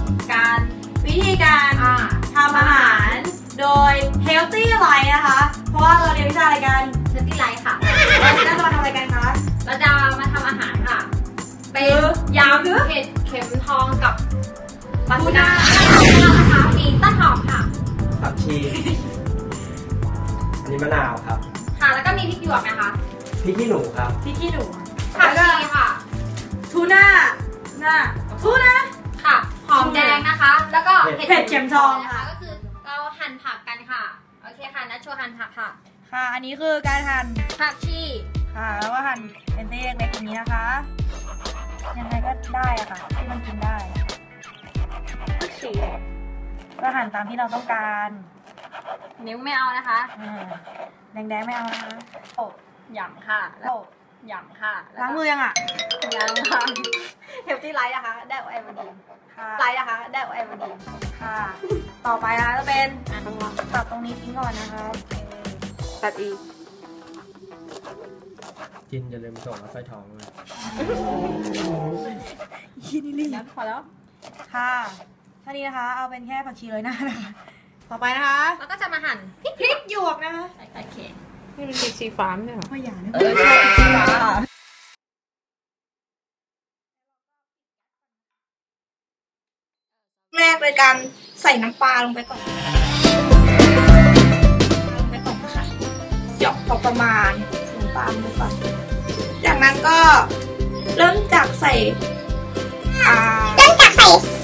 การวิธีการทำอาหารโดย Healthy Life นะคะ เพราะว่าเราเรียนวิชาอะไรกัน Healthy Life ค่ะเราจะมาทำอะไรกันคะเราจะมาทำอาหารค่ะเป็นยำเห็ดเข็มทองกับปลาทูน่านะคะมีต้นหอมค่ะผักชีอันนี้มะนาวครับค่ะแล้วก็มีพริกหยวกนะคะพริกขี้หนูครับพริกขี้หนูผักชีค่ะทูน่าทูน่าค่ะหอมแดงนะคะแล้วก็เห็ดเข็มทองนะคะก็คือเราหั่นผักกันค่ะโอเคค่ะนัทโชว์หั่นผักค่ะค่ะอันนี้คือการหั่นผักชีค่ะแล้วก็หั่นเป็นเส้นเล็กๆอย่างนี้นะคะยังไงก็ได้อะค่ะที่มันกินได้ผักชีก็หั่นตามที่เราต้องการนิ้วไม่เอานะคะแดงๆไม่เอานะคะโอ้หยำค่ะแล้วหยำค่ะล้างมือยังอ่ะยังค่ะHealthy Lifeนะคะได้ไอโอดีนไลท์นะคะได้ไอโอดีนค่ะต่อไปนะคะจะเป็นตัดตรงนี้ทิ้งก่อนนะคะตัดอีกจินอย่าลืมส่งมาใส่ท้องเลยนี่พอแล้วค่ะท่านี้นะคะเอาเป็นแค่ผักชีเลยนะคะต่อไปนะคะแล้วก็จะมาหั่นพริกหยวกนะคะใส่เค็มนี่เป็นพริกชีฟ้าไม่ใช่หรอไม่อยากนะใช่ชีฟ้าแรกเลยการใส่น้ำปลาลงไปก่อนค่ะหยอกพอประมาณน้ำปลาลงไปก่อนจากนั้นก็เริ่มจากใส่